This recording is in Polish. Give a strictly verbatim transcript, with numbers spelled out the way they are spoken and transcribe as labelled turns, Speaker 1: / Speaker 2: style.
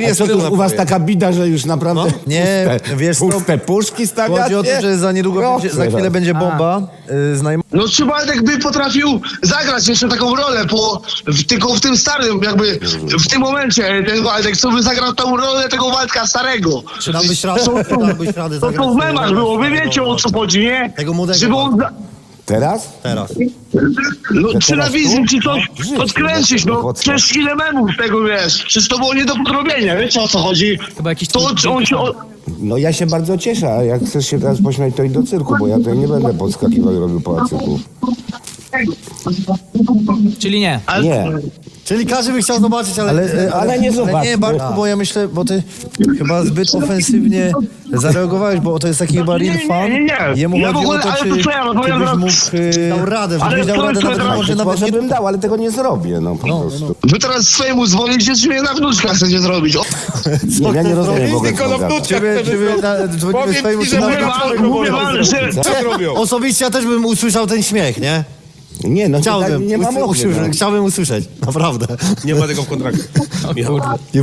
Speaker 1: nie
Speaker 2: A co
Speaker 1: schodził
Speaker 2: to
Speaker 1: na
Speaker 2: u was
Speaker 1: powierzchnię.
Speaker 2: taka bida, że już naprawdę
Speaker 3: No, nie,
Speaker 2: puste,
Speaker 3: wiesz co,
Speaker 2: puste puszki stawiacie?
Speaker 3: Chodzi o to, że za niedługo
Speaker 2: Proszę
Speaker 3: będzie, za chwilę
Speaker 2: was.
Speaker 3: będzie bomba y, z najm-
Speaker 4: No czy Waldek by potrafił zagrać jeszcze taką rolę, po, w, tylko w tym starym, jakby w tym momencie ten Waldek, co by zagrał tą rolę tego Waldka starego.
Speaker 5: Czy dałbyś radę, dałbyś radę
Speaker 4: To
Speaker 5: zagrać
Speaker 4: to w memach
Speaker 5: tego
Speaker 4: było, wy
Speaker 5: starego
Speaker 4: wiecie o co
Speaker 5: Waldka?
Speaker 4: chodzi, nie?
Speaker 5: Tego młodego
Speaker 4: Żeby on, za-
Speaker 2: Teraz?
Speaker 5: Teraz.
Speaker 4: no,
Speaker 2: Że
Speaker 4: czy na
Speaker 2: teraz
Speaker 4: wizji,
Speaker 2: tu?
Speaker 4: czy coś
Speaker 2: No, w życiu,
Speaker 4: podkręcić,
Speaker 2: no,
Speaker 4: no
Speaker 2: chłopcy.
Speaker 4: przecież ile memów tego wiesz, przecież to było nie do podrobienia, wiecie o co chodzi?
Speaker 5: Chyba jakiś
Speaker 4: To
Speaker 5: twój-
Speaker 4: on się... O,
Speaker 2: No ja się bardzo cieszę, a jak chcesz się teraz pośmiać, to idź do cyrku, bo ja tutaj nie będę podskakiwał i robił pałacyków.
Speaker 5: Czyli nie.
Speaker 4: ale,
Speaker 2: Nie.
Speaker 1: Czyli każdy by chciał zobaczyć, ale...
Speaker 3: Ale, ale,
Speaker 2: ale nie
Speaker 3: ale
Speaker 2: zobacz.
Speaker 3: nie, Bartku, bo ja myślę, bo ty chyba zbyt ofensywnie zareagowałeś, bo to jest taki chyba real
Speaker 4: nie,
Speaker 3: fan.
Speaker 4: nie, nie.
Speaker 3: Jemu
Speaker 4: Ja w
Speaker 3: chodzi
Speaker 4: ogóle-
Speaker 3: o to,
Speaker 4: ale
Speaker 3: czy,
Speaker 4: to co ja, no
Speaker 3: czy
Speaker 4: ja
Speaker 3: byś
Speaker 4: teraz-
Speaker 3: mógł... y,
Speaker 1: Dał radę,
Speaker 3: żebyś
Speaker 4: ale
Speaker 3: dał
Speaker 4: to-
Speaker 3: radę
Speaker 4: to-
Speaker 3: nawet,
Speaker 4: to-
Speaker 3: może
Speaker 2: Może
Speaker 3: nawet nie...
Speaker 2: bym dał, ale tego nie zrobię, no po prostu.
Speaker 4: wy teraz swojemu dzwonicie, czy mnie na wnuczka chcecie zrobić? O,
Speaker 2: Nie, ja nie rozumiem w ogóle,
Speaker 1: Tylko
Speaker 2: co
Speaker 1: na
Speaker 2: on gada.
Speaker 1: wnuczkach
Speaker 3: Czy wy,
Speaker 1: chcemy
Speaker 3: czy wy
Speaker 1: zrobić.
Speaker 3: na, dzwonimy
Speaker 1: Powiem
Speaker 3: swojemu
Speaker 1: ci, że
Speaker 3: synowi?
Speaker 4: mówię
Speaker 1: my
Speaker 4: wam, mówię wam, że...
Speaker 1: Co zrobią?
Speaker 3: Osobiście ja też bym usłyszał ten śmiech, nie?
Speaker 2: Nie, no
Speaker 3: Chciałbym,
Speaker 2: nie, nie mam
Speaker 3: usłyszeć,
Speaker 2: mowy, no.
Speaker 3: chciałbym usłyszeć, naprawdę.
Speaker 1: Nie ma tego w kontrakcie.
Speaker 5: O kurde.